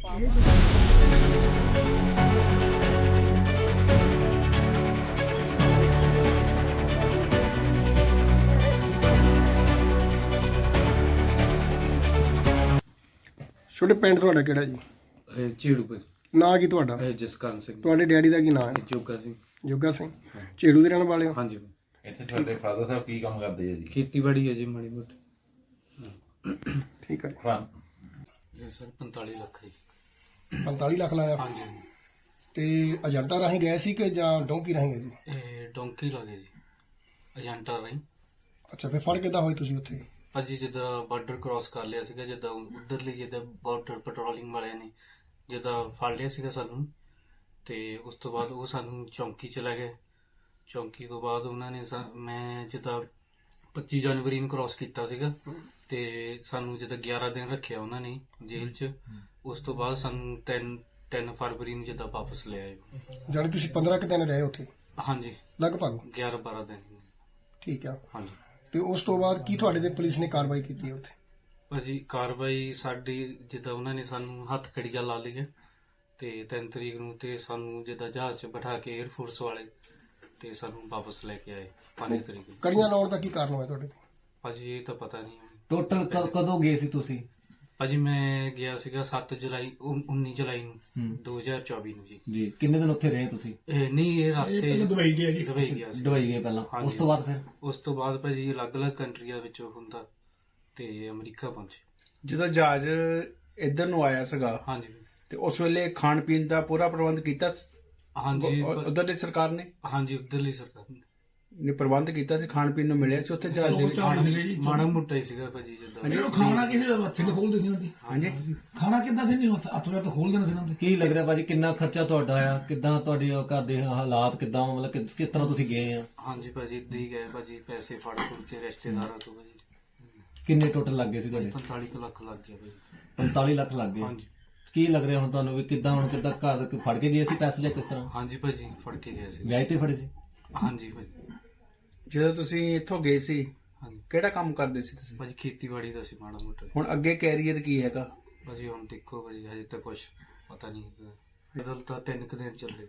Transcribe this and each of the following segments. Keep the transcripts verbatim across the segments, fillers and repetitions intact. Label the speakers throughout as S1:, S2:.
S1: ਛੋਟੇ ਪਿੰਡ ਤੁਹਾਡਾ ਕਿਹੜਾ ਜੀ?
S2: ਝੇੜੂ ਭਾਜੀ।
S1: ਨਾਂ ਕੀ ਤੁਹਾਡਾ?
S2: ਜਸਕਰਨ ਸਿੰਘ।
S1: ਤੁਹਾਡੇ ਡੈਡੀ ਦਾ ਕੀ ਨਾਂ ਹੈ?
S2: ਜੋਗਾ ਸਿੰਘ।
S1: ਜੋਗਾ ਸਿੰਘ। ਝੇੜੂ ਦੇ ਰਹਿਣ ਵਾਲੇ ਹੋ?
S2: ਹਾਂਜੀ।
S3: ਇੱਥੇ ਤੁਹਾਡੇ ਫਾਦਰ ਸਾਹਿਬ ਕੀ ਕੰਮ ਕਰਦੇ ਆ ਜੀ?
S2: ਖੇਤੀਬਾੜੀ ਹੈ ਜੀ ਮਾੜੀ ਮੋਟੀ।
S1: ਠੀਕ ਹੈ
S2: ਇਹ ਸਰ ਪੰਤਾਲੀ ਲੱਖ ਜੀ।
S1: ਪੰਤਾਲੀ ਲੱਖ ਲਾਇਆ?
S2: ਹਾਂਜੀ।
S1: ਤੇ ਏਜੰਟਾਂ ਰਾਹੀਂ ਗਏ ਸੀ ਕਿ ਜਾਂ ਡੋਂਕੀ ਰਾਹੀਂ ਗਏ ਜੀ?
S2: ਇਹ ਡੋਂਕੀ ਲੱਗੇ ਜੀ ਏਜੰਟਾਂ ਰਾਹੀਂ।
S1: ਅੱਛਾ, ਫਿਰ ਫੜ ਕਿੱਦਾਂ ਹੋਈ ਤੁਸੀਂ ਉੱਥੇ?
S2: ਭਾਜੀ ਜਿੱਦਾਂ ਬਾਰਡਰ ਕ੍ਰਾਸ ਕਰ ਲਿਆ ਸੀਗਾ, ਜਿੱਦਾਂ ਉਧਰਲੀ ਜਿੱਦਾਂ ਬਾਰਡਰ ਪੈਟਰੋਲਿੰਗ ਵਾਲਿਆਂ ਨੇ ਜਿੱਦਾਂ ਫੜ ਲਿਆ ਸੀਗਾ ਸਾਨੂੰ, ਤੇ ਉਸ ਤੋਂ ਬਾਅਦ ਉਹ ਸਾਨੂੰ ਚੌਂਕੀ ਚ ਲੈ ਗਏ। ਚੌਂਕੀ ਤੋਂ ਬਾਅਦ ਉਹਨਾਂ ਨੇ ਮੈਂ ਜਿੱਦਾਂ ਪੱਚੀ ਜਨਵਰੀ ਨੂੰ ਕ੍ਰਾਸ ਕੀਤਾ ਸੀਗਾ, ਤੇ ਸਾਨੂੰ ਜਿੱਦਾਂ ਗਿਆਰਾਂ ਦਿਨ ਰੱਖਿਆ ਉਹਨਾਂ ਨੇ ਜੇਲ੍ਹ 'ਚ। ਉਸ ਤੋਂ ਬਾਅਦ ਸਾਨੂੰ ਤਿੰਨ ਤਿੰਨ ਫਰਵਰੀ ਨੂੰ ਜਿੱਦਾਂ ਵਾਪਸ ਲੈ ਆਏ।
S1: ਜਾਣੀ ਤੁਸੀਂ ਪੰਦਰਾਂ ਕੁ ਦਿਨ ਰਹੇ ਉੱਥੇ?
S2: ਹਾਂਜੀ,
S1: ਲਗਭਗ
S2: ਗਿਆਰਾਂ ਬਾਰਾਂ ਦਿਨ।
S1: ਠੀਕ ਆ।
S2: ਹਾਂਜੀ।
S1: ਤੇ ਉਸ ਤੋਂ ਬਾਅਦ ਕੀ ਤੁਹਾਡੇ ਤੇ ਪੁਲਿਸ ਨੇ ਕਾਰਵਾਈ ਕੀਤੀ ਹੈ ਉੱਥੇ?
S2: ਭਾਜੀ ਕਾਰਵਾਈ ਸਾਡੀ ਜਿੱਦਾਂ ਉਹਨਾਂ ਨੇ ਸਾਨੂੰ ਹੱਥ ਕੜੀਆਂ ਲਾ ਲਈਆਂ, ਤੇ ਤਿੰਨ ਤਰੀਕ ਨੂੰ ਤੇ ਸਾਨੂੰ ਜਿੱਦਾਂ ਜਹਾਜ਼ 'ਚ ਬਿਠਾ ਕੇ 에ਅਰਫੋਰਸ ਵਾਲੇ ਤੇ ਸਾਨੂੰ ਵਾਪਸ ਲੈ ਕੇ ਆਏ ਪੰਜ ਤਰੀਕ ਨੂੰ।
S1: ਕੜੀਆਂ ਲਾਉਣ ਦਾ ਕੀ ਕਾਰਨ ਹੋਇਆ ਤੁਹਾਡੇ ਤੇ?
S2: ਭਾਜੀ ਇਹ ਤਾਂ ਪਤਾ ਨਹੀਂ।
S4: ਟੋਟਲ ਕਦੋਂ ਗਏ ਸੀ ਤੁਸੀਂ?
S2: ਭਾਜੀ ਮੈਂ ਗਿਆ ਸੀਗਾ ਸੱਤ ਜੁਲਾਈ ਉੱਨੀ ਜੁਲਾਈ ਨੂੰ ਦੋ ਹਜ਼ਾਰ ਚੌਵੀ ਨੂੰ ਜੀ।
S4: ਜੀ ਕਿੰਨੇ ਦਿਨ ਉੱਥੇ ਰਹੇ ਤੁਸੀਂ?
S2: ਇਹ ਨਹੀਂ ਇਹ ਰਸਤੇ
S1: ਦੁਬਈ ਗਿਆ ਜੀ?
S2: ਦੁਬਈ ਗਿਆ ਸੀ।
S4: ਦੁਬਈ ਗਏ ਪਹਿਲਾਂ, ਉਸ ਤੋਂ ਬਾਅਦ ਫਿਰ?
S2: ਉਸ ਤੋਂ ਬਾਅਦ ਭਾਜੀ ਅਲੱਗ-ਅਲੱਗ ਕੰਟਰੀਆਂ ਵਿੱਚ ਹੁੰਦਾ ਤੇ ਅਮਰੀਕਾ ਪਹੁੰਚੇ।
S5: ਜਦੋਂ ਜਹਾਜ਼ ਇੱਧਰ ਨੂੰ ਆਇਆ ਸੀਗਾ,
S2: ਹਾਂਜੀ,
S5: ਤੇ ਉਸ ਵੇਲੇ ਖਾਣ ਪੀਣ ਦਾ ਪੂਰਾ ਪ੍ਰਬੰਧ ਕੀਤਾ?
S2: ਹਾਂਜੀ
S5: ਉਧਰ ਦੀ ਸਰਕਾਰ ਨੇ?
S2: ਹਾਂਜੀ ਉਧਰਲੀ ਸਰਕਾਰ ਨੇ
S5: ਨੇ ਪ੍ਰਬੰਧ ਕੀਤਾ ਸੀ, ਖਾਣ ਪੀਣ ਨੂੰ ਮਿਲਿਆ ਸੀ ਉੱਥੇ ਜਹਾਜ਼ ਦੇ ਵਿੱਚ?
S2: ਮਾੜਾ ਮੋਟਾ ਹੀ ਸੀਗਾ ਭਾਜੀ ਜਿੱਦਾਂ।
S6: ਖਾਣਾ ਕਿਸੇ ਹੱਥੇ ਨਹੀਂ ਖੋਲਦੇ ਸੀ ਉਹਨਾਂ ਦੀ?
S5: ਹਾਂਜੀ।
S6: ਖਾਣਾ ਕਿੱਦਾਂ ਸੀ? ਨਹੀਂ ਹੱਥ ਵਿੱਚ ਖੋਲ ਦੇਣਾ ਸੀ ਉਹਨਾਂ ਦੇ?
S4: ਕੀ ਲੱਗ ਰਿਹਾ ਭਾਜੀ ਕਿੰਨਾ ਖਰਚਾ ਤੁਹਾਡਾ ਆਇਆ? ਕਿੱਦਾਂ ਤੁਹਾਡੇ ਘਰ ਦੇ ਹਾਲਾਤ ਕਿੱਦਾਂ, ਮਤਲਬ ਕਿ- ਕਿਸ ਤਰ੍ਹਾਂ ਤੁਸੀਂ ਗਏ ਆ?
S2: ਹਾਂਜੀ ਭਾਜੀ ਏਦਾਂ ਹੀ ਗਏ ਭਾਜੀ, ਪੈਸੇ ਫੜ ਫੁੜ ਕੇ ਰਿਸ਼ਤੇਦਾਰਾਂ ਤੋਂ ਭਾਜੀ।
S4: ਕਿੰਨੇ ਟੋਟਲ ਲੱਗ ਗਏ ਸੀ ਤੁਹਾਡੇ?
S2: ਪੰਤਾਲੀ ਕੁ ਲੱਖ ਲੱਗ ਗਿਆ ਭਾਜੀ।
S4: ਪੰਤਾਲੀ ਲੱਖ ਲੱਗ ਗਏ।
S2: ਹਾਂਜੀ।
S4: ਕੀ ਲੱਗ ਰਿਹਾ ਹੁਣ ਤੁਹਾਨੂੰ ਵੀ ਕਿੱਦਾਂ, ਹੁਣ ਕਿੱਦਾਂ ਘਰ ਫੜ ਕੇ ਗਏ ਸੀ ਪੈਸੇ ਜਾਂ ਕਿਸ ਤਰ੍ਹਾਂ?
S2: ਹਾਂਜੀ ਭਾਜੀ ਫੜ ਕੇ ਗਏ ਸੀ।
S4: ਵਿਆਹ ਤੇ ਫੜੇ ਸੀ?
S2: ਹਾਂਜੀ ਭਾਜੀ।
S5: ਜਦੋਂ ਤੁਸੀਂ ਇੱਥੋਂ ਗਏ ਸੀ
S2: ਹਾਂਜੀ
S5: ਕਿਹੜਾ ਕੰਮ ਕਰਦੇ ਸੀ ਤੁਸੀਂ?
S2: ਭਾਜੀ ਖੇਤੀਬਾੜੀ ਦਾ ਸੀ ਮਾੜਾ ਮੋਟਾ।
S5: ਹੁਣ ਅੱਗੇ ਕੈਰੀਅਰ ਕੀ ਹੈਗਾ
S2: ਭਾਜੀ ਹੁਣ ਦੇਖੋ ਭਾਜੀ ਹਜੇ ਤਾਂ ਕੁਝ ਪਤਾ ਨਹੀਂ। ਬਦਲ ਤਾਂ ਤਿੰਨ ਕੁ ਦਿਨ ਚੱਲੇ।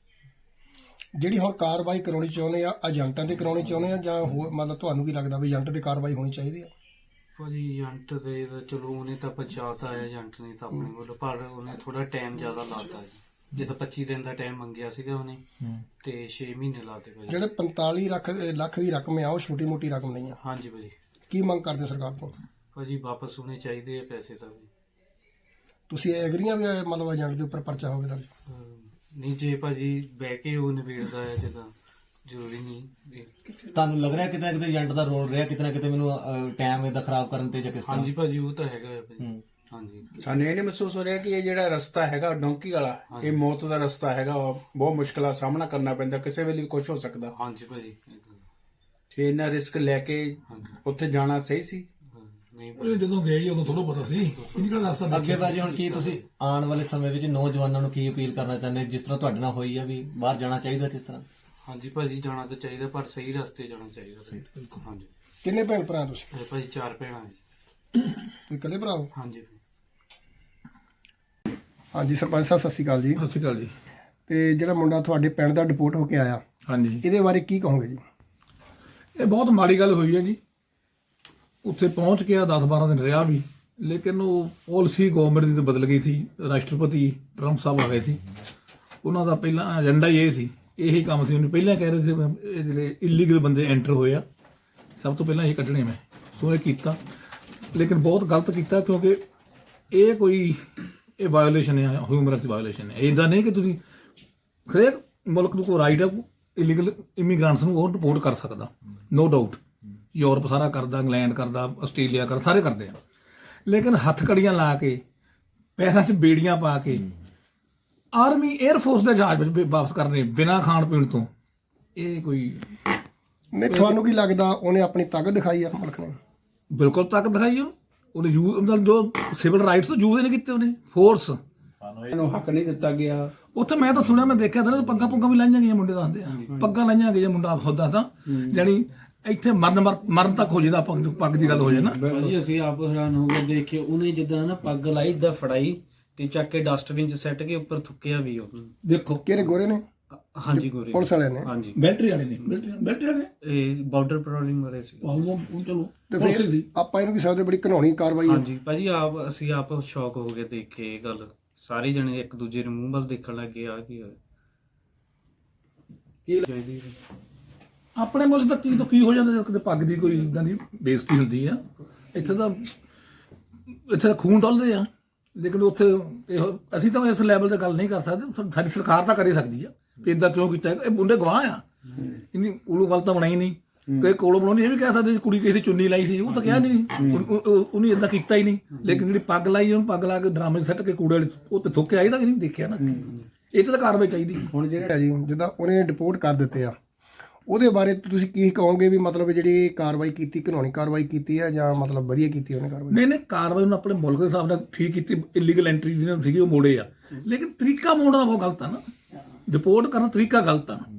S1: ਜਿਹੜੀ ਹੁਣ ਕਾਰਵਾਈ ਕਰਾਉਣੀ ਚਾਹੁੰਦੇ ਆ ਏਜੰਟਾਂ ਤੇ ਕਰਾਉਣੀ ਚਾਹੁੰਦੇ ਆ ਜਾਂ ਹੋਰ, ਮਤਲਬ ਤੁਹਾਨੂੰ ਕੀ ਲੱਗਦਾ ਵੀ ਏਜੰਟ ਤੇ ਕਾਰਵਾਈ ਹੋਣੀ ਚਾਹੀਦੀ ਆ?
S2: ਭਾਜੀ ਏਜੰਟ ਦੇ ਤਾਂ ਚਲੋ ਉਹਨੇ ਤਾਂ ਪਹੁੰਚਾਤਾ ਹੈ ਏਜੰਟ ਨੇ ਤਾਂ ਆਪਣੇ ਕੋਲ, ਪਰ ਉਹਨੇ ਥੋੜਾ ਟਾਈਮ ਜ਼ਿਆਦਾ ਲਾਤਾ ਜੀ। ਜਿੱਦਾਂ ਪੱਚੀ ਦਿਨ ਦਾ ਟਾਈਮ ਮੰਗਿਆ ਸੀਗਾ ਉਹਨੇ, ਤੇ ਛੇ ਮਹੀਨੇ ਲਾਤੇ ਭਾਜੀ।
S1: ਜਿਹੜੇ ਪੰਤਾਲੀ ਲੱਖ ਲੱਖ ਦੀ ਰਕਮ ਆ ਉਹ ਛੋਟੀ ਮੋਟੀ ਰਕਮ ਨਹੀਂ ਆ।
S2: ਹਾਂਜੀ ਭਾਜੀ।
S1: ਕੀ ਮੰਗ ਕਰਦੇ ਸਰਕਾਰ ਤੋਂ?
S2: ਭਾਜੀ ਵਾਪਸ ਹੋਣੇ ਚਾਹੀਦੇ ਆ ਪੈਸੇ ਤਾਂ ਵੀ।
S1: ਤੁਸੀਂ ਐਗਰੀਆਂ ਵੀ ਮਤਲਬ ਏਜੰਟ ਦੇ ਉੱਪਰ ਪਰਚਾ ਹੋਵੇ ਤਾਂ?
S2: ਨਹੀਂ ਜੇ ਭਾਜੀ ਬਹਿ ਕੇ ਉਹ ਨਿਬੇੜਦਾ ਹੈ ਜਿੱਦਾਂ, ਜ਼ਰੂਰੀ ਨਹੀਂ।
S4: ਤੁਹਾਨੂੰ ਲੱਗ ਰਿਹਾ ਕਿਤੇ ਨਾ ਕਿਤੇ ਏਜੰਟ ਦਾ ਰੋਲ ਰਿਹਾ ਕਿਤੇ ਨਾ ਕਿਤੇ ਮੈਨੂੰ ਟਾਈਮ ਇਹਦਾ ਖਰਾਬ ਕਰਨ ਤੇ ਜਾਂ ਕਿਸ ਤਰ੍ਹਾਂ?
S2: ਹਾਂਜੀ ਭਾਜੀ ਉਹ ਤਾਂ ਹੈਗਾ ਹੈ ਭਾਜੀ।
S4: ਹੂੰ।
S2: ਹਾਂਜੀ।
S5: ਸਾਨੂੰ ਇਹ ਨਹੀਂ ਮਹਿਸੂਸ ਹੋ ਰਿਹਾ ਕਿ ਇਹ ਜਿਹੜਾ ਰਸਤਾ ਹੈਗਾ ਡੋਂਕੀ ਵਾਲਾ, ਇਹ ਮੌਤ ਦਾ ਰਸਤਾ ਹੈਗਾ, ਬਹੁਤ ਮੁਸ਼ਕਲਾਂ ਦਾ ਸਾਹਮਣਾ ਕਰਨਾ ਪੈਂਦਾ, ਕਿਸੇ ਵੇਲੇ ਵੀ ਕੁਝ ਹੋ ਸਕਦਾ।
S2: ਹਾਂਜੀ ਭਾਜੀ।
S5: ਤੇ ਇਹਨਾਂ ਰਿਸਕ ਲੈ ਕੇ ਉੱਥੇ ਜਾਣਾ ਸਹੀ ਸੀ?
S2: ਨਹੀਂ
S6: ਉਹ ਜਦੋਂ ਗਏ ਜੀ ਉਦੋਂ ਥੋੜਾ ਪਤਾ ਸੀ ਕਿਹੜਾ ਰਸਤਾ
S4: ਅੱਗੇ ਭਾਜੀ ਹੁਣ ਕੀ ਤੁਸੀਂ ਆਉਣ ਵਾਲੇ ਸਮੇਂ ਵਿੱਚ ਨੌਜਵਾਨਾਂ ਨੂੰ ਕੀ ਅਪੀਲ ਕਰਨਾ ਚਾਹੁੰਦੇ, ਜਿਸ ਤਰ੍ਹਾਂ ਤੁਹਾਡੇ ਨਾਲ ਹੋਈ ਆ ਵੀ ਬਾਹਰ ਜਾਣਾ ਚਾਹੀਦਾ ਕਿਸ ਤਰ੍ਹਾਂ?
S2: ਹਾਂਜੀ ਭਾਜੀ ਜਾਣਾ ਤਾਂ ਚਾਹੀਦਾ, ਪਰ ਸਹੀ ਰਸਤੇ ਜਾਣਾ ਚਾਹੀਦਾ। ਬਿਲਕੁਲ। ਹਾਂਜੀ।
S1: ਕਿੰਨੇ ਭੈਣ ਭਰਾ ਤੁਸੀਂ?
S2: ਇਹ ਭਾਜੀ ਚਾਰ ਭੈਣਾਂ ਜੀ।
S1: ਤੁਸੀਂ ਇਕੱਲੇ ਭਰਾ ਹੋ?
S2: ਹਾਂਜੀ।
S1: ਹਾਂਜੀ ਸਰਪੰਚ ਸਾਹਿਬ ਸਤਿ ਸ਼੍ਰੀ ਅਕਾਲ ਜੀ।
S6: ਸਤਿ ਸ਼੍ਰੀ ਅਕਾਲ ਜੀ।
S1: ਤੇ ਜਿਹੜਾ ਮੁੰਡਾ ਤੁਹਾਡੇ ਪਿੰਡ ਦਾ ਡਿਪੋਰਟ ਹੋ ਕੇ ਆਇਆ,
S6: ਹਾਂਜੀ,
S1: ਇਹਦੇ ਬਾਰੇ ਕੀ ਕਹੋਗੇ ਜੀ?
S6: ਇਹ ਬਹੁਤ ਮਾੜੀ ਗੱਲ ਹੋਈ ਹੈ ਜੀ। ਉੱਥੇ ਪਹੁੰਚ ਕੇ ਦਸ ਬਾਰਾਂ ਦਿਨ ਰਿਹਾ ਵੀ, ਲੇਕਿਨ ਉਹ ਪਾਲਿਸੀ ਗਵਰਨਮੈਂਟ ਦੀ ਤਾਂ ਬਦਲ ਗਈ ਸੀ। ਰਾਸ਼ਟਰਪਤੀ ਟਰੰਪ ਸਾਹਿਬ ਆ ਗਏ ਸੀ, ਉਹਨਾਂ ਦਾ ਪਹਿਲਾਂ ਏਜੰਡਾ ਹੀ ਇਹ ਸੀ, ਇਹੀ ਕੰਮ ਸੀ। ਉਹਨੇ ਪਹਿਲਾਂ ਕਹਿ ਰਹੇ ਸੀ ਇਹ ਜਿਹੜੇ ਇਲੀਗਲ ਬੰਦੇ ਐਂਟਰ ਹੋਏ ਆ ਸਭ ਤੋਂ ਪਹਿਲਾਂ ਇਹ ਕੱਢਣੇ ਮੈਂ, ਸੋ ਇਹ ਕੀਤਾ, ਲੇਕਿਨ ਬਹੁਤ ਗਲਤ ਕੀਤਾ, ਕਿਉਂਕਿ ਇਹ ਕੋਈ ਇਹ ਵਾਇਓਲੇਸ਼ਨ ਹੈ, ਹਿਊਮਨ ਰਾਈਟਸ ਵਾਇਓਲੇਸ਼ਨ ਹੈ। ਇੱਦਾਂ ਨਹੀਂ ਕਿ ਤੁਸੀਂ ਹਰੇਕ ਮੁਲਕ ਨੂੰ ਕੋਈ ਰਾਈਟ ਹੈ ਇਲੀਗਲ ਇਮੀਗ੍ਰੈਂਟਸ ਨੂੰ ਉਹ ਰਿਪੋਰਟ ਕਰ ਸਕਦਾ, ਨੋ ਡਾਊਟ। ਯੂਰਪ ਸਾਰਾ ਕਰਦਾ, ਇੰਗਲੈਂਡ ਕਰਦਾ, ਆਸਟ੍ਰੇਲੀਆ ਕਰਦਾ, ਸਾਰੇ ਕਰਦੇ ਆ, ਲੇਕਿਨ ਹੱਥ ਕੜੀਆਂ ਲਾ ਕੇ ਪੈਰਾਂ 'ਚ ਬੇੜੀਆਂ ਪਾ ਕੇ ਆਰਮੀ 에ਅਰਫੋਰਸ ਦੇ ਜਹਾਜ਼ ਵਿੱਚ ਵਾਪਸ ਕਰਨੇ ਬਿਨਾਂ ਖਾਣ ਪੀਣ ਤੋਂ, ਇਹ ਕੋਈ
S1: ਨਹੀਂ ਤੁਹਾਨੂੰ ਕੀ ਲੱਗਦਾ ਉਹਨੇ ਆਪਣੀ ਤਾਕਤ ਦਿਖਾਈ ਆ ਮੁਲਕ ਨੇ?
S6: ਬਿਲਕੁਲ ਤਾਕਤ ਦਿਖਾਈ ਉਹਨੂੰ, ਉਹਨੇ ਯੂਜ਼ ਮਤਲਬ ਜੋ ਸਿਵਲ ਰਾਈਟਸ ਤੋਂ ਯੂਜ਼ ਨਹੀਂ ਕੀਤੇ ਉਹਨੇ, ਫੋਰਸ
S5: ਇਹਨੂੰ ਹੱਕ ਨਹੀਂ ਦਿੱਤਾ ਗਿਆ।
S6: ਉੱਥੇ ਮੈਂ ਤਾਂ ਸੁਣਿਆ, ਮੈਂ ਦੇਖਿਆ ਤਾਂ ਪੱਗਾਂ ਪੁੱਗਾਂ ਵੀ ਲਾਈਆਂ ਗਈਆਂ, ਮੁੰਡੇ ਦੱਸਦੇ ਆ ਪੱਗਾਂ ਲਾਈਆਂ ਗਈਆਂ, ਮੁੰਡਾ ਹੁੰਦਾ ਤਾਂ ਜਾਣੀ ਇੱਥੇ ਮਰਨ ਮਰਨ ਤੱਕ ਹੋ ਜਾਂਦਾ ਪੱਗ ਪੱਗ ਦੀ ਗੱਲ ਹੋ ਜਾਏ ਨਾ।
S7: ਭਾਜੀ ਅਸੀਂ ਆਪ ਹੈਰਾਨ ਹੋ ਗਏ ਦੇਖ ਕੇ, ਉਹਨੇ ਜਿੱਦਾਂ ਨਾ ਪੱਗ ਲਾਈ, ਇਦਾਂ ਫੜਾਈ
S2: ਤੇ ਚੱਕ ਕੇ ਡਸਟਬਿਨ 'ਚ ਸੱਟ ਕੇ ਉੱਪਰ ਥੁੱਕਿਆ ਵੀ ਉਹ।
S6: ਦੇਖੋ
S1: ਕਿਹਨੇ ਗੋਰੇ ਨੇ?
S2: ਹਾਂਜੀ ਗੋਰੇ
S1: ਪੁਲਿਸ ਵਾਲਿਆਂ ਨੇ?
S2: ਹਾਂਜੀ
S6: ਮਿਲਟਰੀ ਵਾਲੇ ਨੇ ਮਿਲਟਰੀ ਮਿਲਟਰੀ ਵਾਲੇ
S2: ਇਹ ਬਾਰਡਰ ਪੈਟਰੋਲਿੰਗ ਵਾਲੇ ਸੀ।
S6: ਉਹ ਉਹ ਚਲੋ
S1: ਤੇ
S6: ਪੁਲਿਸ
S1: ਫਿਰ
S6: ਸੀ।
S1: ਆਪਾਂ ਇਹਨੂੰ ਵੀ ਸਕਦੇ ਬੜੀ ਘਿਨਾਉਣੀ ਕਾਰਵਾਈ ਹੈ।
S2: ਹਾਂਜੀ ਭਾਜੀ ਆਪ ਅਸੀਂ ਆਪ ਸ਼ੌਕ ਹੋ ਗਏ ਦੇਖ ਕੇ ਇਹ ਗੱਲ। ਸਾਰੇ ਜਣੇ ਇੱਕ ਦੂਜੇ ਦੇ ਮੂੰਹ ਵੱਲ ਦੇਖਣ ਲੱਗ ਗਏ ਆ ਕੀ ਹੋਇਆ ਕੀ ਚਾਹੀਦੀ
S6: ਆਪਣੇ ਮੁਲਕ ਦਾ ਕੀ ਤੋਂ ਕੀ ਹੋ ਜਾਂਦਾ ਜਦੋਂ ਕਿਤੇ ਪੱਗ ਦੀ ਕੋਈ ਇਦਾਂ ਦੀ ਬੇਇੱਜ਼ਤੀ ਹੁੰਦੀ ਆ। ਇੱਥੇ ਤਾਂ ਇੱਥੇ ਤਾਂ ਖੂਨ ਡੁੱਲਦੇ ਆ, ਲੇਕਿਨ ਉੱਥੇ ਇਹੋ ਅਸੀਂ ਤਾਂ ਇਸ ਲੈਵਲ ਤੇ ਗੱਲ ਨਹੀਂ ਕਰ ਸਕਦੇ। ਸਾਡੀ ਸਰਕਾਰ ਤਾਂ ਕਰ ਹੀ ਸਕਦੀ ਆ ਵੀ ਇਦਾਂ ਕਿਉਂ ਕੀਤਾ। ਇਹ ਮੁੰਡੇ ਗਵਾਹ ਆ, ਇੰਨੀ ਉਲੂ ਗੱਲ ਤਾਂ ਬਣਾਈ ਨਹੀਂ। ਕਈ ਕੋਲੋਂ ਬਣਾਉਣੀ ਇਹ ਵੀ ਕਹਿ ਸਕਦੇ ਕੁੜੀ ਕਿਸੇ ਦੀ ਚੁੰਨੀ ਲਾਈ ਸੀ, ਉਹ ਤਾਂ ਕਿਹਾ ਨਹੀਂ, ਉਹਨੇ ਇਦਾਂ ਕੀਤਾ ਹੀ ਨਹੀਂ। ਲੇਕਿਨ ਜਿਹੜੀ ਪੱਗ ਲਾਈ ਉਹਨੂੰ ਪੱਗ ਲਾ ਕੇ ਡਰਾਮੇ ਸੱਟ ਕੇ ਕੂੜੇ ਵਾਲੇ ਉਹ ਤੇ ਥੁੱਕਿਆ ਇਹਦਾ ਨਹੀਂ ਦੇਖਿਆ ਨਾ। ਇਹ ਤਾਂ ਕਾਰਵਾਈ ਚਾਹੀਦੀ।
S1: ਹੁਣ ਜਿਹੜਾ ਜੀ ਜਿੱਦਾਂ ਉਹਨੇ ਡਿਪੋਰਟ ਕਰ ਦਿੱਤੇ ਆ, ਉਹਦੇ ਬਾਰੇ ਤੁਸੀਂ ਕੀ ਕਹੋਗੇ ਵੀ ਮਤਲਬ ਜਿਹੜੀ ਕਾਰਵਾਈ ਕੀਤੀ ਘਿਨਾਉਣੀ ਕਾਰਵਾਈ ਕੀਤੀ ਹੈ ਜਾਂ ਮਤਲਬ ਵਧੀਆ ਕੀਤੀ ਉਹਨੇ ਕਾਰਵਾਈ?
S6: ਨਹੀਂ ਨਹੀਂ ਕਾਰਵਾਈ ਉਹਨੇ ਆਪਣੇ ਮੁਲਕ ਦੇ ਹਿਸਾਬ ਨਾਲ ਠੀਕ ਕੀਤੀ। ਇਲੀਗਲ ਐਂਟਰੀ ਜਿਹਨਾਂ ਸੀਗੀ ਉਹ ਮੋੜੇ ਆ, ਲੇਕਿਨ ਤਰੀਕਾ ਮੋੜਨਾ ਬਹੁਤ ਗਲਤ ਆ ਨਾ। ਰਿਪੋਰਟ ਕਰਨਾ ਤਰੀਕਾ ਗਲਤ ਆ।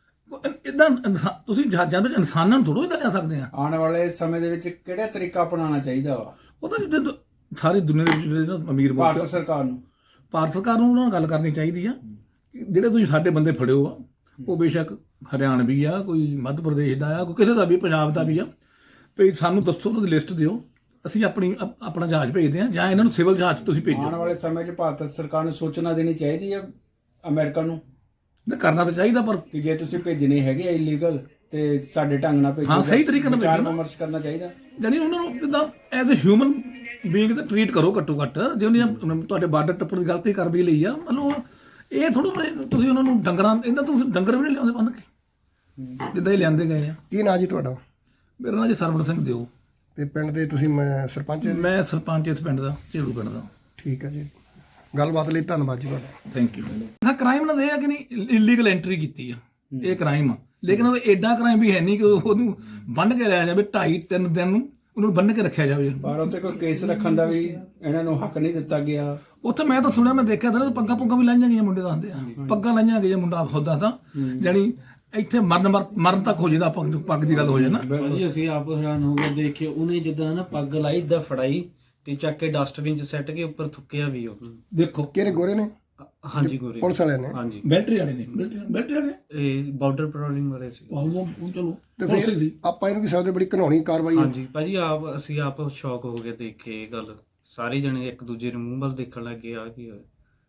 S6: ਇਦਾਂ ਤੁਸੀਂ ਜਹਾਜ਼ਾਂ ਵਿੱਚ ਇਨਸਾਨਾਂ ਨੂੰ ਥੋੜ੍ਹਾ ਇਦਾਂ ਲੈ ਸਕਦੇ ਆ।
S5: ਆਉਣ ਵਾਲੇ ਸਮੇਂ ਦੇ ਵਿੱਚ ਕਿਹੜਾ ਤਰੀਕਾ ਅਪਣਾਉਣਾ ਚਾਹੀਦਾ ਵਾ
S6: ਉਹ ਤਾਂ ਜਿੱਦਾਂ ਸਾਰੀ ਦੁਨੀਆ ਦੇ ਵਿੱਚ ਜਿਹੜੇ ਨਾ ਅਮੀਰ ਮੁਲਕ
S5: ਭਾਰਤ ਸਰਕਾਰ ਨੂੰ?
S6: ਭਾਰਤ ਸਰਕਾਰ ਨੂੰ ਉਹਨਾਂ ਨਾਲ ਗੱਲ ਕਰਨੀ ਚਾਹੀਦੀ ਆ ਕਿ ਜਿਹੜੇ ਤੁਸੀਂ ਸਾਡੇ ਬੰਦੇ ਫੜਿਓ ਆ, ਉਹ ਬੇਸ਼ੱਕ ਹਰਿਆਣਵੀ ਆ, ਕੋਈ ਮੱਧ ਪ੍ਰਦੇਸ਼ ਦਾ ਆ, ਕੋਈ ਕਿਸੇ ਦਾ ਵੀ, ਪੰਜਾਬ ਦਾ ਵੀ ਆ, ਵੀ ਸਾਨੂੰ ਦੱਸੋ, ਉਹਨਾਂ ਦੀ ਲਿਸਟ ਦਿਓ, ਅਸੀਂ ਆਪਣੀ ਅਪ- ਆਪਣਾ ਜਹਾਜ਼ ਭੇਜਦੇ ਹਾਂ ਜਾਂ ਇਹਨਾਂ ਨੂੰ ਸਿਵਲ ਜਹਾਜ਼ 'ਚ ਤੁਸੀਂ ਭੇਜੋ।
S5: ਆਉਣ ਵਾਲੇ ਸਮੇਂ 'ਚ ਭਾਰਤ ਸਰਕਾਰ ਨੂੰ ਸੂਚਨਾ ਦੇਣੀ ਚਾਹੀਦੀ ਹੈ ਅਮਰੀਕਾ ਨੂੰ
S6: ਨਹੀਂ ਕਰਨਾ ਤਾਂ ਚਾਹੀਦਾ, ਪਰ
S5: ਕਿ ਜੇ ਤੁਸੀਂ ਭੇਜਣੇ ਹੈਗੇ ਆ ਇਲੀਗਲ ਤੇ ਸਾਡੇ ਢੰਗ ਨਾਲ ਭੇਜੋ।
S6: ਹਾਂ, ਸਹੀ ਤਰੀਕੇ ਨਾਲ
S5: ਵਿਚਾਰ
S6: ਭੇਜੋ ਨਾ।
S5: ਵਿਮਰਸ਼ ਕਰਨਾ ਚਾਹੀਦਾ।
S6: ਯਾਨੀ ਉਹਨਾਂ ਨੂੰ ਜਿੱਦਾਂ ਐਜ਼ ਅ ਹਿਊਮਨ ਬੀਇੰਗ ਤਾਂ ਟਰੀਟ ਕਰੋ ਘੱਟੋ ਘੱਟ। ਜੇ ਉਹਨੇ ਤੁਹਾਡੇ ਬਾਰਡਰ ਟੱਪਣ ਦੀ ਗਲਤੀ ਕਰ ਵੀ ਲਈ ਆ, ਮਤਲਬ ਇਹ ਥੋੜ੍ਹਾ ਤੁਸੀਂ ਉਹਨਾਂ ਨੂੰ ਡੰਗਰਾਂ ਇਹਨਾਂ ਤੋਂ ਡੰਗਰ ਵੀ ਨਹੀਂ ਲਿਆਉਂਦੇ ਬੰਨ ਕੇ ਜਿੱਦਾਂ ਇਹ ਲਿਆਂਦੇ ਗਏ ਆ।
S1: ਕੀ ਨਾਂ ਜੀ ਤੁਹਾਡਾ?
S6: ਮੇਰਾ ਨਾਂ ਜੀ ਸਰਵਣ ਸਿੰਘ ਦਿਓ,
S1: ਤੇ ਪਿੰਡ ਦੇ ਤੁਸੀਂ ਮੈਂ ਸਰਪੰਚ?
S6: ਮੈਂ ਸਰਪੰਚ ਇਸ ਪਿੰਡ ਦਾ, ਝੇੜੂ ਪਿੰਡ ਦਾ।
S1: ਠੀਕ ਹੈ ਜੀ, ਗੱਲਬਾਤ ਲਈ ਧੰਨਵਾਦ ਜੀ ਤੁਹਾਡਾ।
S6: Thank you. ਹਾਂ, ਕ੍ਰਾਈਮ ਨਾਲ ਇਹ ਆ ਕਿ ਨਹੀਂ ਇਲੀਗਲ ਐਂਟਰੀ ਕੀਤੀ ਆ, ਇਹ ਕ੍ਰਾਈਮ ਆ, ਲੇਕਿਨ ਉਹ ਐਡਾ ਕ੍ਰਾਈਮ ਵੀ ਹੈ ਨਹੀਂ ਕਿ ਉਹਨੂੰ ਬੰਨ੍ਹ ਕੇ ਲਿਆ ਜਾਵੇ। ਢਾਈ ਤਿੰਨ ਦਿਨ ਨੂੰ ਉਹਨੂੰ ਬੰਨ੍ਹ ਕੇ ਰੱਖਿਆ ਜਾਵੇ।
S5: ਪਰ ਉੱਤੇ ਕੋਈ ਕੇਸ ਰੱਖਣ ਦਾ ਵੀ ਇਹਨਾਂ ਨੂੰ ਹੱਕ ਨਹੀਂ ਦਿੱਤਾ ਗਿਆ।
S6: ਉੱਥੇ ਮੈਂ ਤਾਂ ਸੁਣਿਆ, ਮੈਂ ਦੇਖਿਆ ਤਾਂ ਪੱਗਾਂ ਪੁੱਗਾਂ ਵੀ ਲਾਈਆਂ ਗਈਆਂ ਮੁੰਡੇ ਦਾ ਹੁੰਦੇ ਆ, ਪੱਗਾਂ ਲਾਈਆਂ ਗਈਆਂ ਮੁੰਡਾ ਹੁੰਦਾ ਤਾਂ ਜਾਣੀ ਇੱਥੇ ਮਰਨ ਮਰ- ਮਰਨ ਤੱਕ ਹੋ ਜਾਂਦਾ ਪੱਗ ਪੱਗ ਦੀ ਗੱਲ ਹੋ ਜਾਏ ਨਾ।
S2: ਭਾਜੀ ਅਸੀਂ ਆਪ ਹੈਰਾਨ ਹੋ ਗਏ ਦੇਖ ਕੇ। ਉਹਨੇ ਜਿੱਦਾਂ ਨਾ ਪੱਗ ਲਾਈ ਇਦਾਂ ਫੜਾਈ ਤੇ ਚੱਕ ਕੇ ਡਸਟਬਿਨ 'ਚ ਸੱਟ ਕੇ ਉੱਪਰ ਥੁੱਕਿਆ ਵੀ ਉਹ।
S6: ਦੇਖੋ
S1: ਕਿਹਨੇ ਗੋਰੇ ਨੇ?
S2: ਹਾਂਜੀ ਗੋਰੇ
S1: ਪੁਲਿਸ ਵਾਲਿਆਂ ਨੇ?
S2: ਹਾਂਜੀ
S6: ਮਿਲਟਰੀ ਵਾਲੇ ਨੇ ਮਿਲਟਰੀ ਮਿਲਟਰੀ ਵਾਲੇ
S2: ਇਹ ਬਾਰਡਰ ਪੈਟਰੋਲਿੰਗ ਵਾਲੇ ਸੀ।
S6: ਉਹ ਉਹ ਚਲੋ
S1: ਤੇ
S6: ਪੁਲਿਸ
S1: ਫਿਰ
S6: ਸੀ।
S1: ਆਪਾਂ ਇਹਨੂੰ ਵੀ ਸਕਦੇ ਬੜੀ ਘਿਨਾਉਣੀ ਕਾਰਵਾਈ ਹੈ।
S2: ਹਾਂਜੀ ਭਾਜੀ ਆਪ ਅਸੀਂ ਆਪ ਸ਼ੌਕ ਹੋ ਗਏ ਦੇਖ ਕੇ ਇਹ ਗੱਲ। ਸਾਰੇ ਜਣੇ ਇੱਕ ਦੂਜੇ ਦੇ ਮੂੰਹ ਵੱਲ ਦੇਖਣ ਲੱਗ ਗਏ ਆ ਕੀ ਹੋਇਆ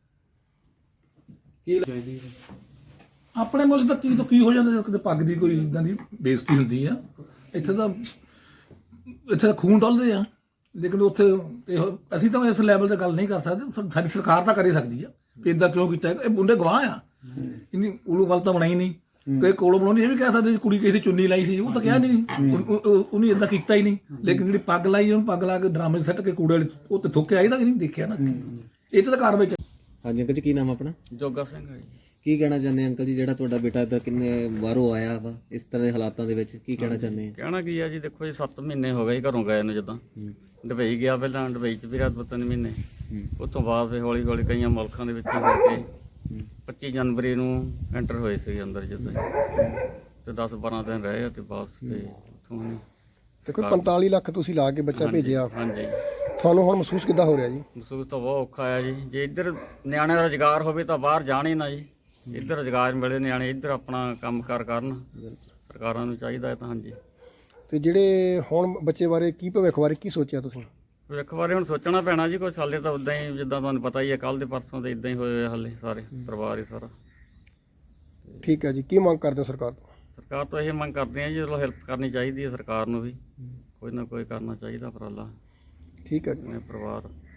S2: ਕੀ ਚਾਹੀਦੀ
S6: ਆਪਣੇ ਮੁਲਕ ਦਾ ਕੀ ਤੋਂ ਕੀ ਹੋ ਜਾਂਦਾ ਜਦੋਂ ਕਿਤੇ ਪੱਗ ਦੀ ਕੋਈ ਇਦਾਂ ਦੀ ਬੇਇੱਜ਼ਤੀ ਹੁੰਦੀ ਆ। ਇੱਥੇ ਤਾਂ ਇੱਥੇ ਤਾਂ ਖੂਨ ਡੁੱਲਦੇ ਆ, ਲੇਕਿਨ ਉੱਥੇ ਇਹੋ ਅਸੀਂ ਤਾਂ ਇਸ ਲੈਵਲ ਤੇ ਗੱਲ ਨਹੀਂ ਕਰ ਸਕਦੇ। ਸਾਡੀ ਸਰਕਾਰ ਤਾਂ ਕਰ ਹੀ ਸਕਦੀ ਆ ਵੀ ਇਦਾਂ ਕਿਉਂ ਕੀਤਾ। ਇਹ ਮੁੰਡੇ ਗਵਾਹ ਆ, ਇੰਨੀ ਉਲੂ ਗੱਲ ਤਾਂ ਬਣਾਈ ਨਹੀਂ। ਕਈ ਕੋਲੋਂ ਬਣਾਉਣੀ ਇਹ ਵੀ ਕਹਿ ਸਕਦੇ ਕੁੜੀ ਕਿਸੇ ਦੀ ਚੁੰਨੀ ਲਾਈ ਸੀ, ਉਹ ਤਾਂ ਕਿਹਾ ਨਹੀਂ, ਉਹਨੇ ਇਦਾਂ ਕੀਤਾ ਹੀ ਨਹੀਂ। ਲੇਕਿਨ ਜਿਹੜੀ ਪੱਗ ਲਾਈ ਉਹਨੂੰ ਪੱਗ ਲਾ ਕੇ ਡਰਾਮੇ ਸੱਟ ਕੇ ਕੂੜੇ ਵਾਲੇ ਉਹ ਤੇ ਥੁੱਕਿਆ ਇਹਦਾ ਨਹੀਂ ਦੇਖਿਆ ਨਾ। ਇਹ ਤਾਂ ਕਾਰਵਾਈ ਚਾਹੀਦੀ।
S4: ਹਾਂਜੀ ਅੰਕਲ ਜੀ, ਕੀ ਨਾਮ ਆਪਣਾ?
S2: ਜੋਗਾ ਸਿੰਘ ਹੈ ਜੀ।
S4: ਕੀ ਕਹਿਣਾ ਚਾਹੁੰਦੇ ਅੰਕਲ ਜੀ, ਜਿਹੜਾ ਤੁਹਾਡਾ ਬੇਟਾ ਇੱਧਰ ਕਿੰਨੇ ਬਾਹਰੋਂ ਆਇਆ ਵਾ ਇਸ ਤਰ੍ਹਾਂ ਦੇ ਹਾਲਾਤਾਂ ਦੇ ਵਿੱਚ, ਕੀ ਕਹਿਣਾ ਚਾਹੁੰਦੇ ਆ?
S7: ਕਹਿਣਾ ਕੀ ਆ ਜੀ, ਦੇਖੋ ਜੀ ਸੱਤ ਮਹੀਨੇ ਹੋ ਗਏ ਜੀ ਘਰੋਂ ਗਏ ਨੂੰ। ਜਿੱਦਾਂ ਦੁਬਈ ਗਿਆ ਪਹਿਲਾਂ, ਦੁਬਈ 'ਚ ਵੀ ਰਿਹਾ ਦੋ ਤਿੰਨ ਮਹੀਨੇ। ਉਸ ਤੋਂ ਬਾਅਦ ਫਿਰ ਹੌਲੀ ਹੌਲੀ ਕਈਆਂ ਮੁਲਕਾਂ ਦੇ ਵਿੱਚ ਹੋ ਕੇ ਪੱਚੀ ਜਨਵਰੀ ਨੂੰ ਐਂਟਰ ਹੋਏ ਸੀ ਅੰਦਰ ਜਿੱਦਾਂ ਤੇ ਦਸ ਬਾਰਾਂ ਦਿਨ ਰਹੇ ਆ ਤੇ ਵਾਪਸ ਤੇ ਉੱਥੋਂ ਨਹੀਂ।
S1: ਤੇ ਕੋਈ ਪੰਤਾਲੀ ਲੱਖ ਤੁਸੀਂ ਲਾ ਕੇ ਬੱਚਾ ਭੇਜਿਆ,
S7: ਹਾਂਜੀ,
S1: ਤੁਹਾਨੂੰ ਹੁਣ ਮਹਿਸੂਸ ਕਿੱਦਾਂ ਹੋ ਰਿਹਾ ਜੀ?
S7: ਮਹਿਸੂਸ ਤਾਂ ਬਹੁਤ ਔਖਾ ਆ ਜੀ। ਜੇ ਇੱਧਰ ਨਿਆਣੇ ਦਾ ਰੁਜ਼ਗਾਰ ਹੋਵੇ ਤਾਂ ਬਾਹਰ ਜਾਣ ਹੀ ਨਾ ਜੀ। ਇੱਧਰ ਰੁਜ਼ਗਾਰ ਮਿਲੇ, ਨਿਆਣੇ ਇੱਧਰ ਆਪਣਾ ਕੰਮ ਕਾਰ ਕਰਨ। ਸਰਕਾਰਾਂ ਨੂੰ ਚਾਹੀਦਾ ਹੈ ਤਾਂ। ਹਾਂਜੀ,
S1: ਤੇ ਜਿਹੜੇ ਹੁਣ ਬੱਚੇ ਬਾਰੇ ਕੀ ਭਵਿੱਖ ਬਾਰੇ ਕੀ ਸੋਚਿਆ ਤੁਸੀਂ?
S7: ਇੱਕ ਵਾਰੀ ਹੁਣ ਸੋਚਣਾ ਪੈਣਾ ਜੀ। ਕੁਛ ਹਾਲੇ ਤਾਂ ਉਦਾਂ ਹੀ ਜਿੱਦਾਂ ਤੁਹਾਨੂੰ ਪਤਾ ਹੀ ਹੈ, ਕੱਲ ਦੇ ਪਰਸੋਂ ਦੇ ਇਦਾਂ ਹੀ ਹੋਏ ਹੋਏ ਹਾਲੇ ਸਾਰੇ ਪਰਿਵਾਰ ਹੀ ਸਾਰਾ।
S1: ਠੀਕ ਹੈ ਜੀ, ਕੀ ਮੰਗ ਕਰਦੇ ਹੋ ਸਰਕਾਰ ਤੋਂ?
S7: ਸਰਕਾਰ ਤੋਂ ਇਹ ਮੰਗ ਕਰਦੇ ਆ ਜੀ, ਚਲੋ ਹੈਲਪ ਕਰਨੀ ਚਾਹੀਦੀ ਹੈ ਸਰਕਾਰ ਨੂੰ ਵੀ, ਕੋਈ ਨਾ ਕੋਈ ਕਰਨਾ ਚਾਹੀਦਾ ਉਪਰਾਲਾ
S1: ਠੀਕ ਹੈ ਜੀ।
S7: ਆਪਣੇ ਪਰਿਵਾਰ